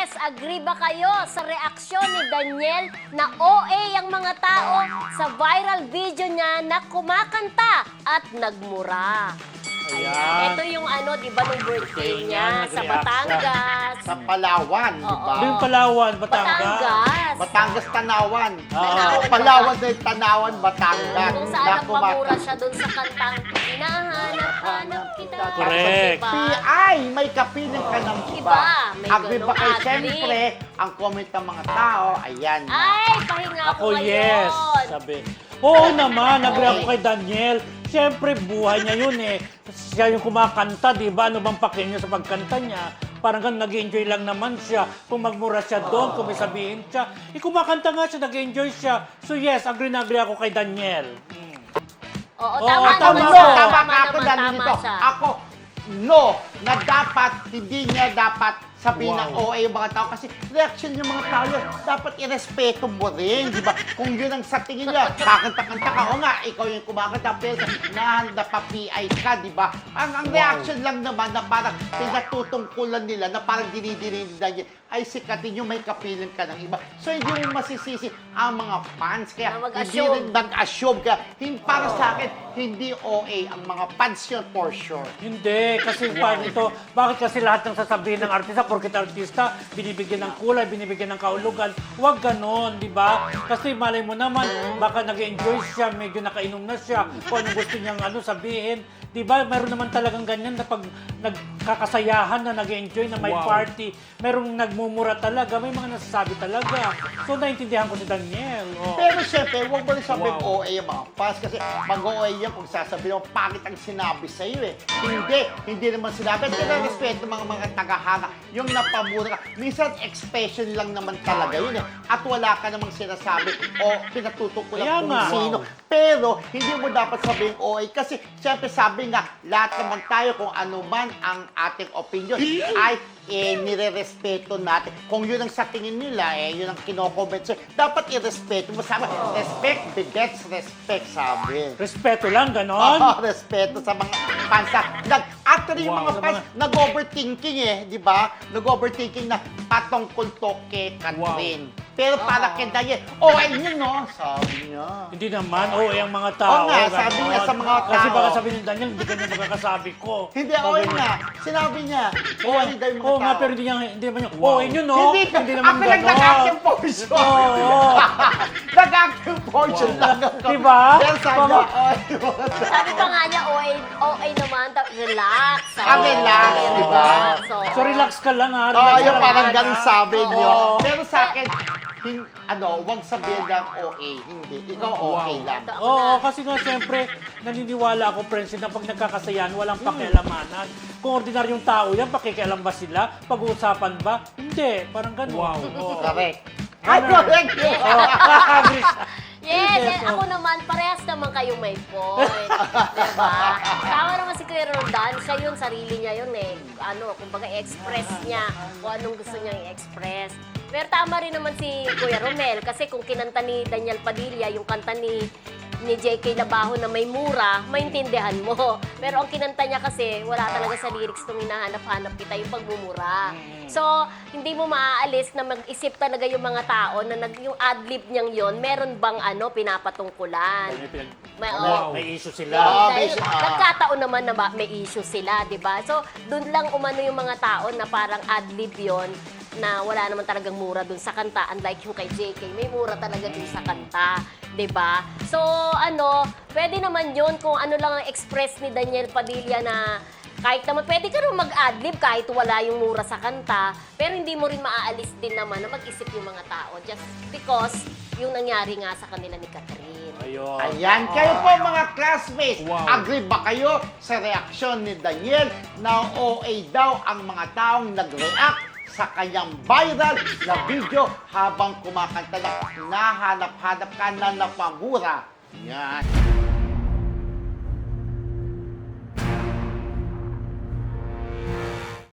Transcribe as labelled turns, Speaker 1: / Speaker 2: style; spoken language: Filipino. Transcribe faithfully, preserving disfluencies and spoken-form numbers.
Speaker 1: Yes, agree ba kayo sa reaksyon ni Daniel na O A ang mga tao sa viral video niya na kumakanta at nagmura?
Speaker 2: Ayan.
Speaker 1: Ito yung ano, di ba, nung birthday niya
Speaker 2: Niya,
Speaker 1: sa
Speaker 2: nag-react
Speaker 1: Batangas.
Speaker 3: Sa Palawan, di ba?
Speaker 1: Oo.
Speaker 2: Yung Palawan, Batangas.
Speaker 1: Batangas.
Speaker 3: Batangas, Tanawan.
Speaker 2: Oo.
Speaker 3: Palawan din, Tanawan, Batangas.
Speaker 1: Kung saan
Speaker 3: Na
Speaker 1: nagpamura
Speaker 3: kumaka-
Speaker 1: siya dun sa kantang Hinahanap-hanap kita.
Speaker 2: Correct.
Speaker 1: Diba?
Speaker 3: P I, may kapiling ka ng iba.
Speaker 1: Iba, may
Speaker 3: Agree ba
Speaker 1: ganong
Speaker 3: kayo?
Speaker 1: agree.
Speaker 3: Siyempre, ang comment ng mga tao, ayan.
Speaker 1: Ay, pahinga
Speaker 2: Ako,
Speaker 1: ko ngayon.
Speaker 2: yes. Sabi. Oo naman, nag-react ko kay Daniel. Siyempre, buhay niya yun eh. Siya yung kumakanta, di ba? Ano bang pakinig niya sa pagkanta niya? Parang gan nag-enjoy lang naman siya. Kung magmura siya doon, kung may sabihin siya. Eh, kumakanta nga siya, nag-enjoy siya. So yes, agree na agree ako kay Daniel. Hmm.
Speaker 1: Oo,
Speaker 2: Oo,
Speaker 1: tama
Speaker 2: tama
Speaker 1: naman
Speaker 2: ka.
Speaker 1: siya.
Speaker 3: Tama
Speaker 1: Tama
Speaker 3: ka ako
Speaker 1: naman,
Speaker 3: dahil
Speaker 1: tama
Speaker 3: dito.
Speaker 1: siya.
Speaker 3: Ako, no, na dapat, hindi niya dapat sabihin na
Speaker 2: Wow.
Speaker 3: O A yung mga tao kasi reaction yung mga tao yun, dapat irespeto mo rin, di ba? Kung yun ang sa tingin niya, kakanta-kanta ka, o nga, ikaw yung kumakanta, pero nahanda pa P I ka, di ba? Ang, ang reaction lang naman na parang pinatutungkulan nila, na parang dinidinig nila niya, ay sikatin yung may kapiling ka ng iba. So hindi mo masisisi ang mga fans, kaya
Speaker 1: Na
Speaker 3: hindi
Speaker 1: mag-assume.
Speaker 3: rin nag-assume, kaya hindi, para sa akin, hindi O A ang mga fans yun for sure.
Speaker 2: Hindi, kasi paano ito, bakit kasi lahat ng sasabihin ng artista, porkit artista, binibigyan ng kulay, binibigyan ng kaulugan, huwag ganon, di ba? Kasi malay mo naman, baka nag-enjoy siya, medyo nakainom na siya, kung ano gusto niyang ano sabihin, di ba? Meron naman talagang ganyan na pag nagkakasayahan na nag-enjoy na may
Speaker 4: Wow.
Speaker 2: party, merong nagmumura talaga, may mga nasasabi talaga. So, naintindihan ko si Daniel. Oh.
Speaker 3: Pero syempre, huwag mo rin sabihin
Speaker 4: Wow.
Speaker 3: O A yung mga fans kasi mag-O A yan kung sasabihin mo, pangit ang sinabi sa'yo eh. Hindi, hindi naman sinabi. At respeto mga mga tagahanga, yung napamura ka. Minsan, expression lang naman talaga yun eh. At wala ka namang sinasabi o pinatutukulan
Speaker 2: Kaya
Speaker 3: kung
Speaker 2: nga.
Speaker 3: sino. Pero, hindi mo dapat sabihin O A kasi syempre sabi nga, lahat naman tayo kung ano man ang ating opinion ay eh, nire-respeto natin. Kung yun ang sa tingin nila, eh, yun ang kino-comment sa'yo, dapat i-respeto mo. Sabi, respect begets respect, sabi.
Speaker 2: Respeto lang, ganon.
Speaker 3: Oo, respeto sa mga fans. Nag, actually, yung
Speaker 2: Wow,
Speaker 3: mga
Speaker 2: sa
Speaker 3: fans,
Speaker 2: mga-
Speaker 3: nag-overthinking eh, di ba? Nag-overthinking na patungkol to kay Catherine. Pero para
Speaker 1: Oo.
Speaker 3: kay Daniel, oh, ay yun no, sabi niya.
Speaker 2: Hindi naman, oo, eh, ang mga tao.
Speaker 3: Oo nga, sabi
Speaker 2: ganon.
Speaker 3: niya sa mga
Speaker 2: Kasi
Speaker 3: tao.
Speaker 2: baka sabi ni Daniel, hindi ganyan magkakasabi ko.
Speaker 3: Hindi, oh,
Speaker 2: Sabi niya.
Speaker 3: nga. Sinabi niya, oh, ay daw yung mga
Speaker 2: Oo nga,
Speaker 3: tao.
Speaker 2: pero hindi, niya, hindi naman yung,
Speaker 4: Wow.
Speaker 2: oo, yun no?
Speaker 3: Hindi,
Speaker 2: Hindi naman
Speaker 3: ako lang
Speaker 2: ganon.
Speaker 3: nag-acting portion.
Speaker 2: Oo.
Speaker 3: Nag-acting portion lang ako.
Speaker 2: Diba?
Speaker 3: Pero sabi niya,
Speaker 2: Pama-
Speaker 3: oh, yung mga tao.
Speaker 1: Sabi pa nga niya, O A, O A naman, ta- relax.
Speaker 3: Ah, relax,
Speaker 1: Oo,
Speaker 3: di ba?
Speaker 1: So,
Speaker 2: So relax ka lang ha.
Speaker 3: Oo,
Speaker 2: Relax
Speaker 3: oh, yung
Speaker 2: ka
Speaker 3: parang
Speaker 2: lang,
Speaker 3: ganun
Speaker 2: ha?
Speaker 3: sabi
Speaker 2: Oo.
Speaker 3: niyo. Pero sa akin, hin, ano, huwag sabihin lang O A. Hindi. Ikaw okay lang.
Speaker 1: Ito, ako
Speaker 2: Oo,
Speaker 1: na.
Speaker 2: kasi nga siyempre, naniniwala ako, Prince, na pag nagkakasayahan, walang pakialamanan. Kung ordinaryong tao yan, pakikialam ba sila? Pag-uusapan ba? Hindi, parang ganun.
Speaker 4: Wow.
Speaker 2: Oo.
Speaker 3: Correct. Ay, correct yun.
Speaker 2: Oo, agree siya.
Speaker 1: Yes,
Speaker 2: Yes,
Speaker 1: and ako
Speaker 2: oh.
Speaker 1: naman, parehas naman kayong may point. Diba? Tama naman si Kuya Roldan, siya yun, sarili niya yun eh. Ano, kumbaga express niya kung anong gusto niyang i-express. Pero tama rin naman si Kuya Romel, kasi kung kinanta ni Daniel Padilla, yung kanta ni ni J K Labajo na may mura, maintindihan mo. Pero ang kinanta niya kasi, wala talaga sa lyrics nung hinahanap-hanap kita yung pagmumura. So, hindi mo maaalis na mag-isip talaga yung mga tao na nag, yung adlib niyang yon, meron bang ano, pinapatungkulan.
Speaker 2: May, pinag-
Speaker 1: May,
Speaker 2: may,
Speaker 1: oh.
Speaker 2: may issue sila.
Speaker 3: Oo.
Speaker 1: Dahil
Speaker 3: may- ah.
Speaker 1: nagkataon naman na ba, may issue sila, di ba? So, doon lang umano yung mga tao na parang adlib yon na wala naman talagang mura dun sa kanta. Unlike yung kay J K, may mura talaga dun sa kanta. 'Di ba? So, ano, pwede naman yun kung ano lang ang express ni Daniel Padilla na kahit naman, pwede ka rin mag-adlib kahit wala yung mura sa kanta, pero hindi mo rin maaalis din naman na mag-isip yung mga tao just because yung nangyari nga sa kanila ni Catherine.
Speaker 2: Ayun.
Speaker 3: Ayan, kayo po mga classmates,
Speaker 4: Wow.
Speaker 3: agree ba kayo sa reaksyon ni Daniel na O A daw ang mga taong nag-react sa kanyang viral na video habang kumakanta na nahanap-hanap ka na napamura? Yan.